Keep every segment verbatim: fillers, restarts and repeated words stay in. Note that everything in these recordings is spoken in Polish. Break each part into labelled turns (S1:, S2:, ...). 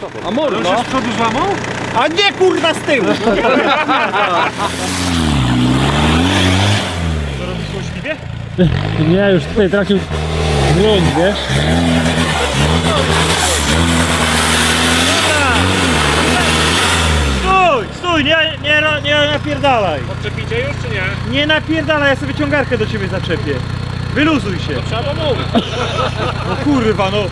S1: A mordo? No.
S2: Z przodu złamał?
S1: A nie kurwa z tyłu!
S2: Co robisz złośliwie?
S3: Nie, już tutaj tracił grunt, wiesz?
S2: Stój, stój, nie, nie, nie napierdalaj.
S4: Odczepicie już czy nie?
S2: Nie napierdalaj, ja sobie ciągarkę do ciebie zaczepię. Wyluzuj się.
S4: Trzeba mówić.
S2: No kurwa, no.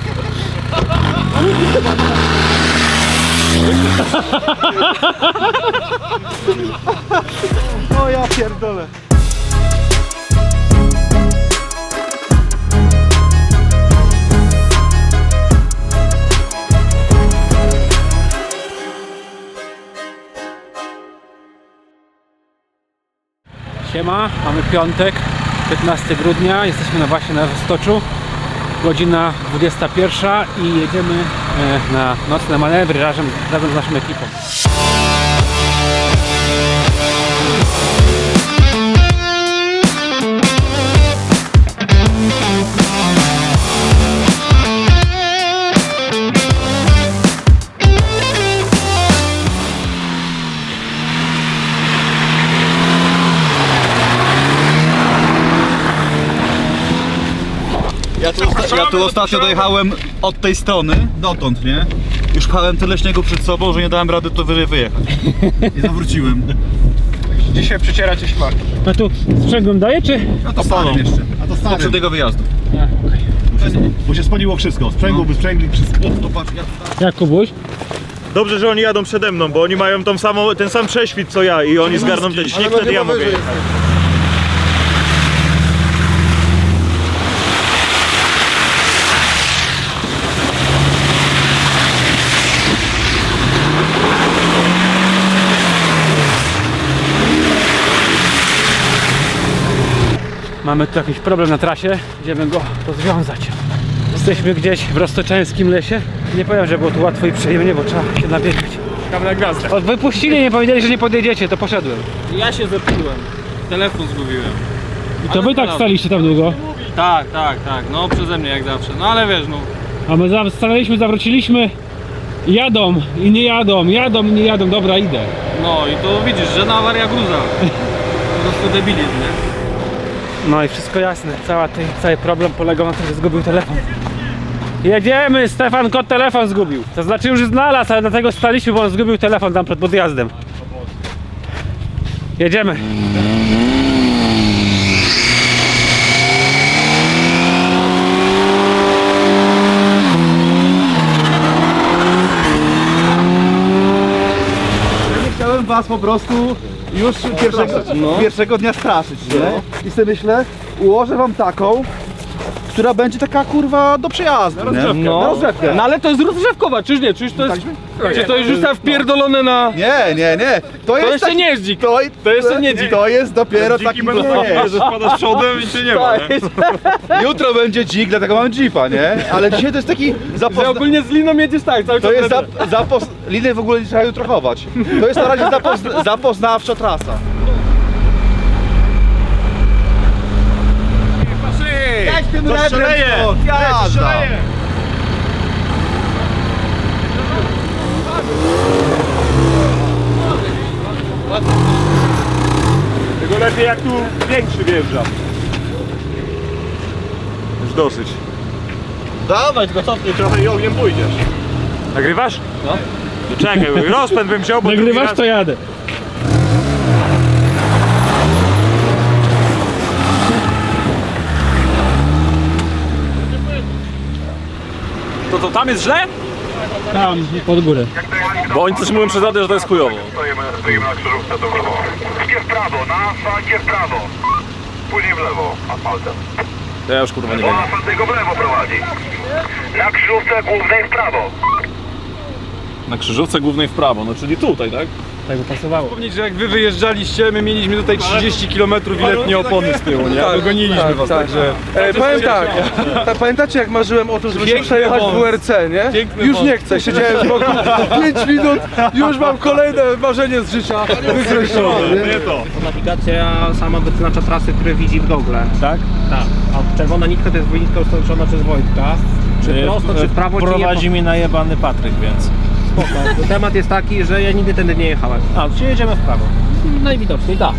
S1: O ja pierdolę.
S3: Siema, mamy piątek, piętnastego grudnia, jesteśmy na właśnie na Roztoczu, godzina dwudziesta pierwsza i jedziemy e, na nocne manewry razem, razem z naszą ekipą.
S1: Ja tu, osta ja tu ostatnio dojechałem od tej strony, dotąd, nie? Już pchałem tyle śniegu przed sobą, że nie dałem rady tu wyżej wyjechać. I zawróciłem.
S4: Dzisiaj przycieracie śmaki.
S3: A tu sprzęgłem daje, czy?
S1: A to starym jeszcze.
S5: A to stary.
S1: Poprzedniego wyjazdu.
S3: A, okay.
S5: Bo się spaliło wszystko. Sprzęgło, by sprzęgli, wszystko.
S1: To patrz, ja tutaj...
S3: Jak Kubuś?
S2: Dobrze, że oni jadą przede mną, bo oni mają tą samą, ten sam prześwit co ja i oni zgarną ten śnieg, wtedy ja mogę jechać.
S3: Mamy tu jakiś problem na trasie, idziemy go rozwiązać. Jesteśmy gdzieś w roztoczańskim lesie. Nie powiem, że było tu łatwo i przyjemnie, bo trzeba się nabiegać.
S4: Czekamy na gwiazdę.
S3: Od wypuścili, nie powiedzieli, że nie podjedziecie, to poszedłem.
S4: Ja się zepsułem. Telefon zgubiłem.
S3: I to wy tak staliście tam długo?
S4: Tak, tak, tak. No przeze mnie jak zawsze. No ale wiesz, no.
S3: A my za- stanęliśmy, zawróciliśmy. Jadą i nie jadą, jadą i nie jadą, dobra, idę.
S4: No i to widzisz, że na awaria gruza. Po prostu debilizm, nie?
S3: No i wszystko jasne, Cała tej, cały problem polegał na tym, że zgubił telefon. Jedziemy, Stefan Kot telefon zgubił. To znaczy już znalazł, ale dlatego staliśmy, bo on zgubił telefon tam przed podjazdem. Jedziemy.
S1: Chciałem was po prostu już pierwszego, pierwszego dnia straszyć, nie? I sobie myślę, ułożę wam taką, która będzie taka kurwa do przejazdu, nie?
S4: No.
S1: Na rozgrzewkę.
S4: No ale to jest rozgrzewkowa, czyż nie? Czyż to jest... Czy to jest już tam wpierdolone na...
S1: Nie, nie, nie. To, jest
S4: jeszcze
S1: taki-
S4: nie jest dzik.
S1: To,
S4: To jeszcze nie dzik.
S1: To jest dopiero taki nie.
S2: że wpadasz przodem i cię nie ma, nie?
S1: Jutro będzie dzik, dlatego mam jeepa, nie? Ale dzisiaj to jest taki
S4: Że
S1: zapozna...
S4: ogólnie z liną jedziesz tak, cały
S1: To
S4: czas
S1: jest
S4: będę-
S1: zap, zapos... Liny w ogóle nie trzeba jutro chować. To jest na razie zapozna... zapoznawcza trasa. Jedź tym
S2: To szaleje!
S1: Jazda!
S2: Tylko lepiej jak tu większy wjeżdża. Już dosyć.
S1: Dawaj, tylko cofnij trochę i ogniem pójdziesz.
S2: Nagrywasz? No. To czekaj, rozpęd bym wziął, bo drugi
S3: Nagrywasz,
S2: raz...
S3: to jadę.
S4: To to tam jest źle?
S3: Tam, pod górę.
S4: Bo oni coś mówią przez radę, że to jest chujowo.
S6: Stoimy, stoimy na krzyżówce, to w lewo. Idzie w prawo, na asfalcie w prawo. Później w lewo, asfaltem.
S4: To ja już kurwa nie
S6: Bo
S4: wiem.
S6: asfalt tylko w lewo prowadzi. Na krzyżówce głównej w prawo.
S4: Na krzyżówce głównej w prawo, no czyli tutaj, tak?
S3: Tak by pasowało.
S7: Wspomnieć, że jak wy wyjeżdżaliście, my mieliśmy tutaj trzydzieści kilometrów i letnie opony z tyłu, nie?
S8: Tak,
S7: Dogoniliśmy
S8: tak,
S7: was,
S8: tak.
S7: także...
S8: E, powiem tak, ta, pamiętacie jak marzyłem o tym, żeby się
S7: Piękny
S8: przejechać
S7: wąs.
S8: w W R C, nie?
S7: Piękny
S8: Już
S7: wąs.
S8: nie chcę, siedziałem z boku pięć minut, już mam kolejne marzenie z życia wykreślone. nie?
S9: Nawigacja sama wyznacza trasy, które widzi w Google.
S3: Tak?
S9: Tak. A czerwona nitka to jest nitka ustawiona przez Wojtka. czy prosto, czy w prawo, czy nie.
S2: Prowadzi mi najebany Patryk, więc...
S9: Spoko. Temat jest taki, że ja nigdy tędy nie jechałem.
S2: A, czyli jedziemy w prawo.
S9: Najwidoczniej tak.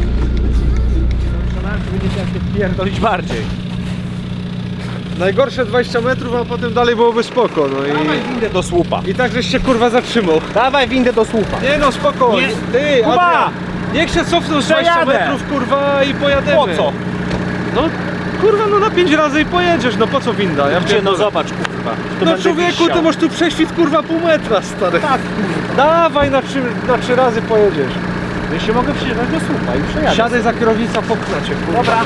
S2: Będziecie jak się pierdolić bardziej.
S8: Najgorsze dwadzieścia metrów, a potem dalej byłoby spoko, no
S2: Dawaj
S8: i...
S2: windę do słupa.
S8: I tak żeś się kurwa zatrzymał.
S2: Dawaj windę do słupa.
S8: Nie no, spoko.
S2: Nie.
S8: Ty,
S2: Kuba!
S8: Adrian, niech się cofną z dwadzieścia
S2: Przejadę.
S8: metrów, kurwa, i pojadziemy.
S2: Po co?
S8: No, kurwa, no na pięć razy i pojedziesz, no po co winda? Ja
S2: Gdzie, no
S8: pierdolę.
S2: zobacz, kurwa. To
S8: No
S2: będę
S8: człowieku,
S2: wisiał.
S8: ty masz tu prześwit, kurwa, pół metra, stary.
S2: Tak, kurwa.
S8: Dawaj, na trzy, na trzy razy pojedziesz.
S2: Ja się mogę przyjechać do słupa i przejadę.
S8: Siadaj za kierownicą, popchnę cię, kurwa.
S2: Dobra.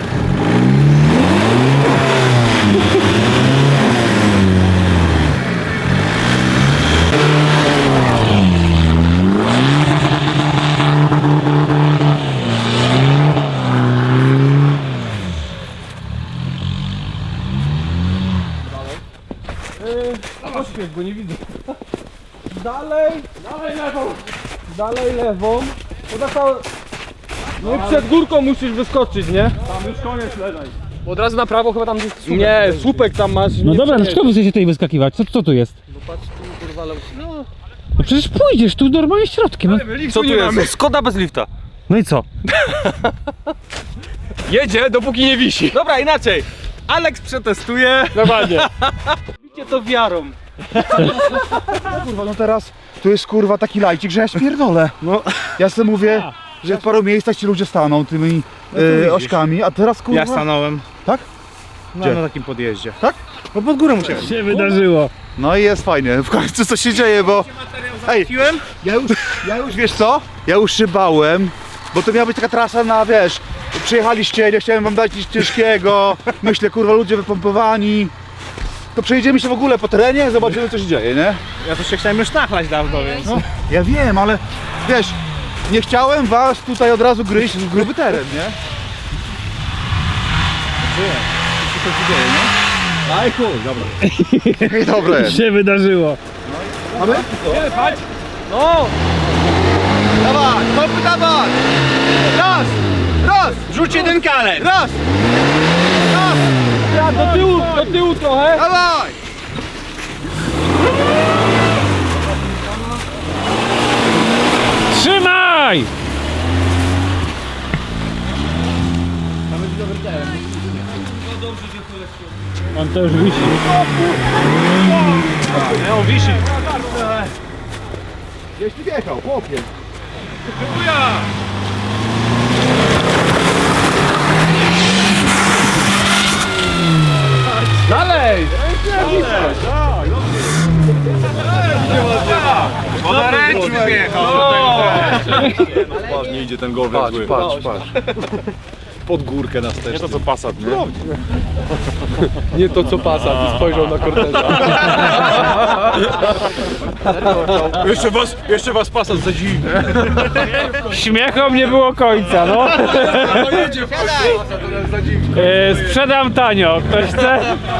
S8: Oświeć, bo nie widzę. Dalej, dalej lewą. Dalej lewą. No, tak, no i przed górką musisz wyskoczyć, nie? Tam już koniec lewej.
S7: Od razu na prawo chyba tam gdzieś słupek.
S8: Nie, słupek tam masz.
S3: No
S8: nie
S3: dobra,
S8: przejedziesz.
S3: dlaczego wy chcecie tutaj wyskakiwać? Co, co tu jest?
S8: No patrz tu, kurwa, lewo. No,
S3: No przecież pójdziesz tu normalnie środkiem. No,
S8: co tu jest? Skoda bez lifta.
S3: no i co?
S7: Jedzie, dopóki nie wisi.
S8: Dobra, inaczej. Alex przetestuje.
S7: Normalnie.
S8: Bicie to wiarą.
S1: Kurwa, no teraz tu jest kurwa taki lajcik, że ja spierdolę. No, ja sobie mówię, że w paru miejscach ci ludzie staną tymi e, ośkami, a teraz kurwa...
S2: Ja stanąłem.
S1: Tak?
S2: No,
S1: Gdzie?
S2: na takim podjeździe.
S1: Tak?
S2: No pod górę musiałem.
S3: się wydarzyło?
S1: No i jest fajnie, w końcu co się dzieje, bo... Ej, ja już, ja już, wiesz co? Ja już szybałem, bo to miała być taka trasa na, wiesz, przyjechaliście, nie chciałem wam dać nic ciężkiego, myślę, kurwa, ludzie wypompowani. To przejedziemy się w ogóle po terenie, zobaczymy co się dzieje, nie?
S2: Ja to się chciałem już nachlać dawno, więc...
S1: No, ja wiem, ale wiesz, nie chciałem was tutaj od razu gryźć w gruby teren, nie? Co się dzieje, nie? Aj chuj, dobra. I dobre.
S3: Się wydarzyło.
S1: Mamy? No! Dawaj, kopy dawaj! Raz! Raz!
S2: Rzuć jeden kalet!
S1: Raz! Raz!
S8: Ja do tyłu, do tyłu trochę.
S1: Dawaj!
S3: Trzymaj! On to już wisi.
S2: Nie, on wisi.
S1: Gdzieś ty wjechał, chłopie.
S8: Dalej.
S2: Bo na ręcz wyjechał.
S5: Ładnie idzie ten gowek
S8: Patrz,
S5: zły.
S8: patrz, patrz.
S5: Pod górkę nas też. Nie to co Passat, nie?
S8: Nie to co Passat, spojrzał na korteza.
S5: Jeszcze was, jeszcze was Passat zadziwi.
S3: Śmiechom nie było końca, no.
S8: No jedzie w końcu.
S3: E, sprzedam tanio. Ktoś chce?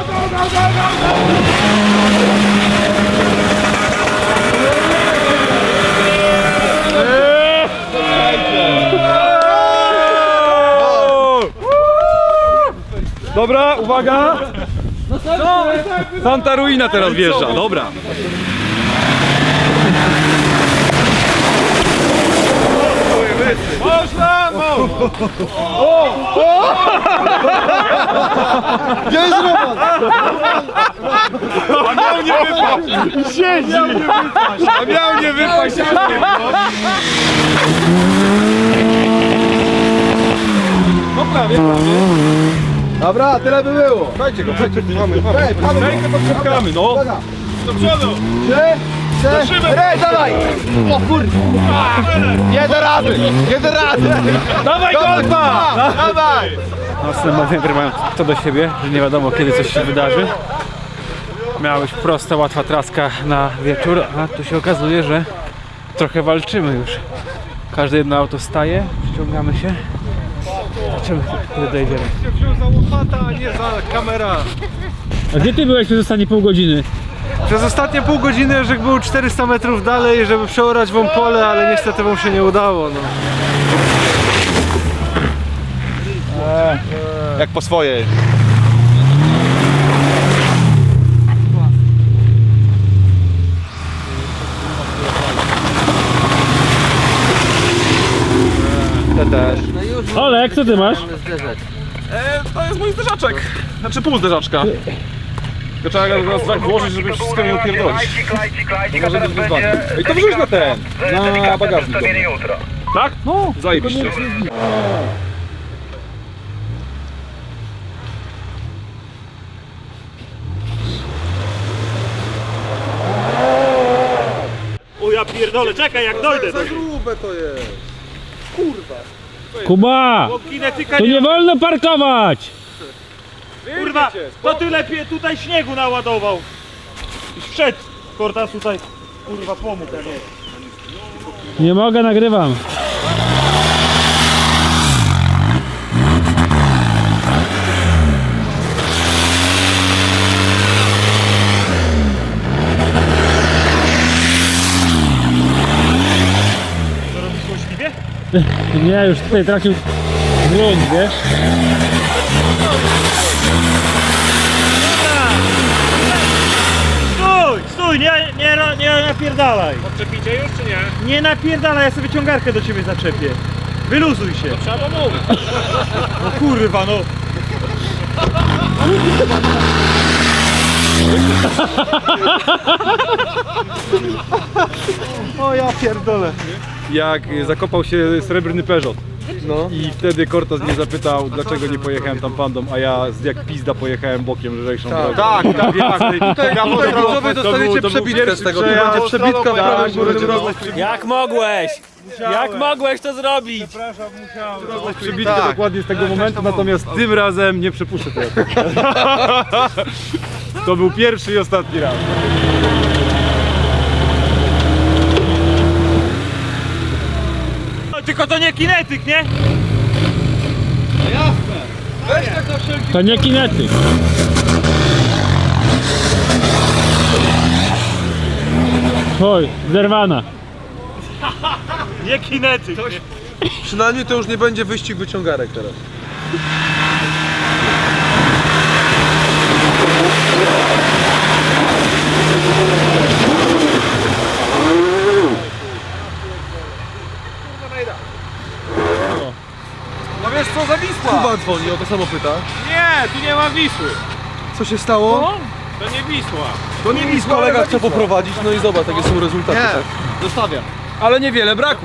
S8: Dobra, uwaga. Santa Ruina teraz wjeżdża, dobra.
S2: Można!
S1: Jest Roman!
S2: A miał nie wypaść! Siedzi!
S8: A miał nie wypaść. No prawie.
S1: Dobra, tyle by było.
S8: Dajcie go, dajcie go. Mamy, mamy.
S1: Ej, pchamy go.
S8: Rękę podciągamy, no.
S1: Uwaga.
S2: Do przodu!
S1: Trzy, cztery, dawaj! O kurwa! Nie da rady! Nie da rady!
S2: Dawaj golfa!
S1: Dawaj!
S3: Nocne manewry mają to do siebie, że nie wiadomo kiedy coś się wydarzy. Miała być prosta, łatwa traska na wieczór, a tu się okazuje, że trochę walczymy już. Każde jedno auto staje, ściągamy się. Zobaczymy, kiedy dojedziemy.
S8: Się wziął za łopata, a nie za kamera.
S3: A gdzie ty byłeś przez ostatnie pół godziny?
S8: Przez ostatnie pół godziny, że był czterysta metrów dalej, żeby przeorać wam pole, ale niestety wam się nie udało. No.
S1: Jak po swojej.
S3: Marek, co ty masz?
S7: E, to jest mój zderzaczek. Znaczy pół zderzaczka. Tylko trzeba go teraz tak włożyć, żeby wszystko nie upierdolić.
S6: Klajcik, klajcik, klajcik,
S7: To
S6: a
S7: może
S6: teraz
S7: być wyzwanie.
S6: będzie...
S7: Ej, to wrzuć na ten, na bagażnik.
S6: Przedstawienie jutro.
S7: Tak? No, zajebiście.
S2: O ja pierdolę, czekaj jak dojdę.
S7: Za grube to jest.
S3: Kuba!
S2: Kinetyka
S3: Tu
S2: nie...
S3: nie wolno parkować!
S2: Kurwa, to ty lepiej tutaj śniegu naładował. I wszedł. Kortas tutaj, kurwa, pomógł, a nie.
S3: Nie mogę, nagrywam.
S2: Co robisz złośliwie?
S3: Nie, już tutaj tracił grunt, wiesz?
S2: Stój, stój, nie, nie, nie napierdalaj.
S7: Odczepicie już czy nie?
S2: Nie napierdalaj, ja sobie ciągarkę do ciebie zaczepię. Wyluzuj się. To
S7: trzeba mówić.
S2: No kurwa, no.
S1: O ja pierdolę.
S7: Jak zakopał się srebrny Peugeot. No. I wtedy Kortas mnie zapytał, dlaczego nie pojechałem tam pandą, a ja jak pizda pojechałem bokiem lżejszą drogą.
S1: Tak, tak, tak. Tutaj
S7: To był-
S1: dostaniecie
S7: to był
S1: przebitkę
S7: pierwszy
S1: z tego.
S7: przejazd.
S1: To będzie przebitka w prawym górnym
S9: Jak mogłeś? Jak mogłeś to zrobić?
S7: Przebitkę
S1: Tak.
S7: dokładnie z tego momentu, natomiast tym razem nie przepuszczę tego. To był pierwszy i ostatni raz.
S2: No, tylko to nie kinetyk, nie?
S3: To nie kinetyk. Oj, zerwana.
S2: Nie kinetyk. Nie.
S5: Przynajmniej to już nie będzie wyścig wyciągarek teraz.
S7: No wiesz co, zawisła!
S5: Kuba dzwoni, o to samo pyta.
S7: Nie, tu nie ma Wisły.
S5: Co się stało?
S7: To nie Wisła.
S5: To nie Wisła, kolega chce poprowadzić, no i zobacz, jakie są rezultaty.
S1: Nie.
S5: Tak?
S7: Zostawiam.
S5: Ale niewiele brakło.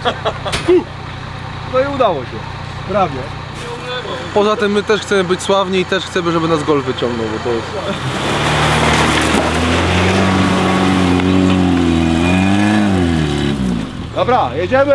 S5: No i udało się. Prawie. Poza tym my też chcemy być sławni i też chcemy, żeby nas Golf wyciągnął, bo to jest...
S1: Dobra, jedziemy!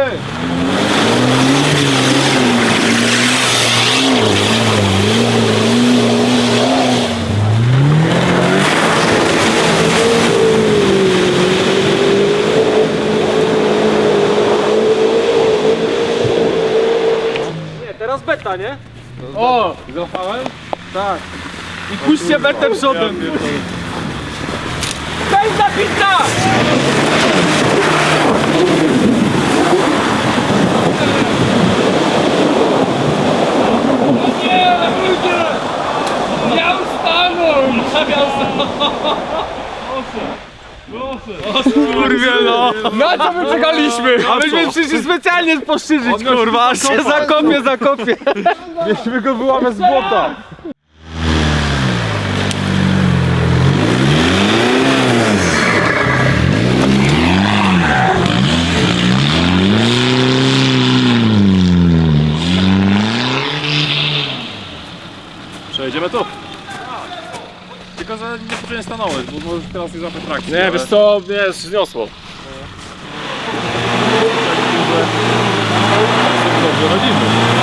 S8: Teraz beta, nie? O! Złapałem? Tak. I puśćcie betę przodem. Pędza pizza! Nie, ludzie! Miał stanąć! Miał stanąć! Kurwie no! Na co my czekaliśmy? A myśmy przyszli specjalnie poszyżyć, kurwa, aż się zakopie, zakopie.
S7: Mieliśmy go wyłamać z błota. Przejedziemy tu. Tylko, że nie stanąłeś, bo może teraz nie złapać trakcji. Nie, wiesz co, mnie zniosło. Dobrze radzimy.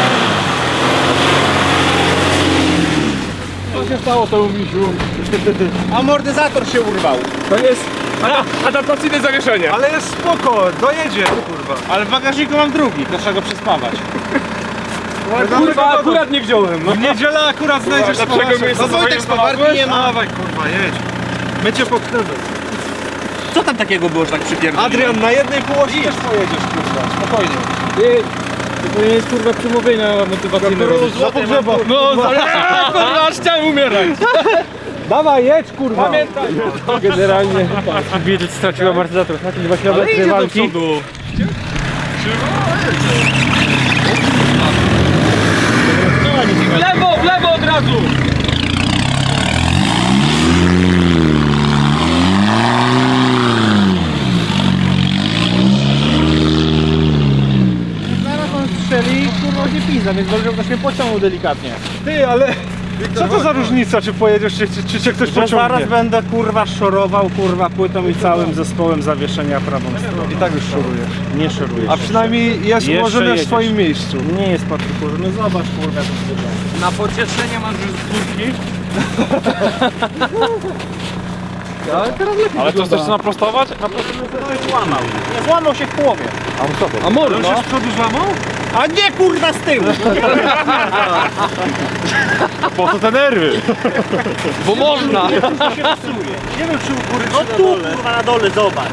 S7: Co się stało temu misiu?
S8: Amortyzator się urwał.
S7: To jest adaptacyjne zawieszenie.
S8: Ale jest spoko, dojedzie, kurwa. Ale w bagażniku mam drugi, to trzeba go przespawać.
S7: Kurwa, akurat nie wziąłem. No.
S8: W niedzielę akurat znajdziesz
S7: Dlaczego miejsca
S8: No Wojtek spawarki nie ma. Dawaj, kurwa, jedź. My cię pokrywy.
S9: Co tam takiego było, że tak przypierdoliło?
S8: Adrian, na jednej półosi też pojedziesz, kurwa, spokojnie. To nie jest kurwa przemówienia motywacyjne robić. Za pogrzeba. No, kurwa, aż chciałem umierać. Dawaj, jedź, kurwa. Pamiętaj.
S3: Generalnie Bill stracił amortyzator. Na tym dwa kilometry walki.
S8: W lewo, w lewo od razu!
S2: Zaraz on strzeli, kurwa się pizza, więc dobrze, że mnie pociągnął delikatnie.
S7: Ty, ale co to za różnica, czy pojedziesz, czy, czy, czy cię ktoś
S2: Że
S7: pociągnie?
S2: zaraz będę kurwa szorował kurwa płytą i całym zespołem zawieszenia prawą stroną.
S7: I tak już szorujesz.
S2: Nie szoruję.
S7: A przynajmniej jest
S2: Jeszcze
S7: ułożone w
S2: jedziesz.
S7: swoim miejscu.
S2: Nie jest Patryku, no zobacz kurwa jak to wygląda.
S8: Na pocieszenie masz już z górki.
S7: Ale teraz lepiej
S8: Ale to chcesz naprostować?
S2: No po prostu się złamał. Nie złamał się w połowie.
S7: A mordo?
S2: No.
S7: z przodu złamał?
S2: A nie kurwa z tyłu!
S7: Po co te nerwy?
S8: Bo można!
S2: To się psuje. Nie wiem czy u góry no czy tu kurwa na dole, zobacz.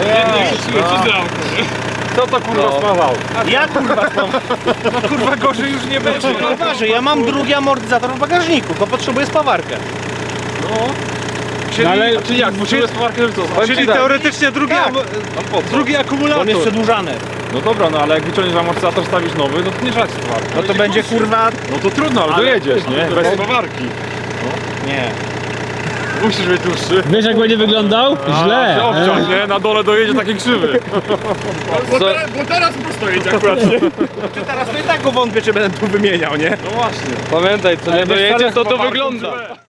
S7: Co to kurwa spawał?
S2: Ja kurwa mam.
S7: No kurwa gorzej już nie będzie.
S2: Uważaj, ja mam drugi amortyzator w bagażniku, to potrzebuję spawarkę.
S7: Czyli,
S8: ale-
S7: czyli jak? Czyli,
S8: Powiem
S7: czyli
S8: ci tak.
S7: teoretycznie drugi,
S2: Tak.
S7: am, drugi akumulator.
S2: On jest przedłużany.
S8: No dobra, no ale jak wyciągniesz amortyzator, stawisz nowy, no to nie żać towar.
S2: No to będzie kurwa.
S8: No to trudno, ale, dojedziesz, nie? Bez spawarki.
S2: Nie.
S8: Musisz mieć dłuższy.
S3: Wiesz jak będzie wyglądał? Źle.
S8: Się obciąć, nie? Na dole dojedzie taki krzywy.
S7: Bo, teraz, bo teraz prosto jedzie akurat.
S2: Czy teraz to i tak go wątpię, czy będę tu wymieniał, nie?
S8: No właśnie.
S5: Pamiętaj, co nie
S8: Ale wiesz,
S5: dojedzie,
S8: ale
S5: to to
S8: spawarką
S5: wygląda.
S8: źle.